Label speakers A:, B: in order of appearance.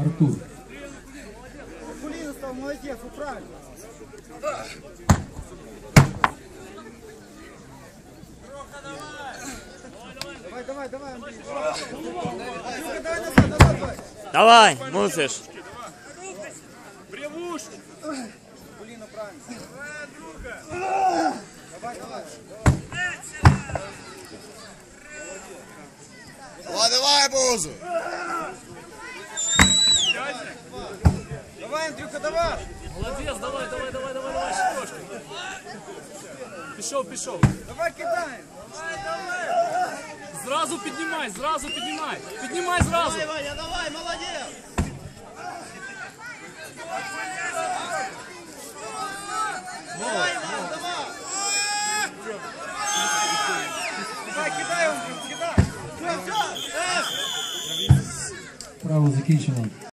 A: Артур.
B: Кулина стал, молодец, правильно. Давай, Андрей. Давай назад, давай.
C: Давай, мусиш.
D: Бревушки.
B: Кулина, правильно. Давай.
E: Давай, Бузу!
B: Давай, Андрюха, давай!
D: Молодец, давай, щепочкой. Пішов.
B: Давай, кидаем!
D: Зразу піднімай. Піднімай зразу.
B: Давай, молодец! Давай! Давай, кидай, Андрюх, кидай!
A: Право закінчено.